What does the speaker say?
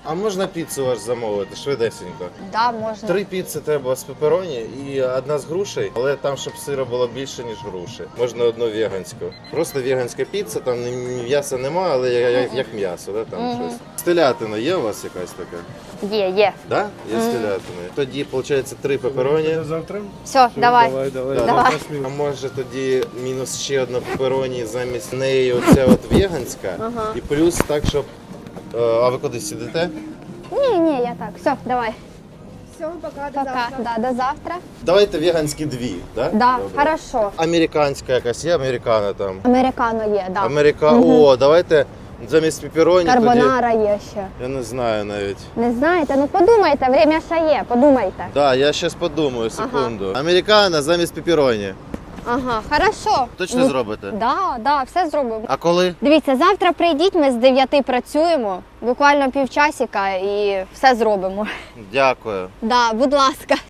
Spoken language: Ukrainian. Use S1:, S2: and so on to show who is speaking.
S1: А можна піцу ваш замовити, швидесенько?
S2: Да, можна.
S1: 3 піци треба з пепероні і 1 з грушей, але там, щоб сира було більше, ніж груші. Можна 1 веганську. Просто веганська піца, там м'яса немає, але як м'ясо, да, там щось. З телятиною є у вас якась така?
S2: Є.
S1: Да? Є з телятиною. Тоді, виходить, 3 пепероні.
S3: Завтра?
S2: Все, давай.
S1: Да,
S2: Давай.
S1: А може тоді мінус ще 1 пепероні, замість неї оця от веганська. І плюс так, щоб... А ви куди сидите?
S2: Ні, я так. Все, давай.
S4: Все, пока, до
S2: Пока.
S4: завтра.
S2: Да, до завтра.
S1: Давайте веганські 2, да?
S2: Да,
S1: Добре.
S2: хорошо.
S1: Американська якась є, американо там.
S2: Американо є, да.
S1: О, давайте замість пепероні тоді...
S2: Карбонара є ще.
S1: Я не знаю навіть.
S2: Не знаєте? Ну подумайте, время ще є, подумайте.
S1: Да, я зараз подумаю, секунду. Американо замість пепероні.
S2: Ага, хорошо.
S1: Точно зробите?
S2: Да, все зробимо.
S1: А коли?
S2: Дивіться, завтра прийдіть, ми з 9 працюємо, буквально півчасика і все зробимо.
S1: Дякую.
S2: Да, будь ласка.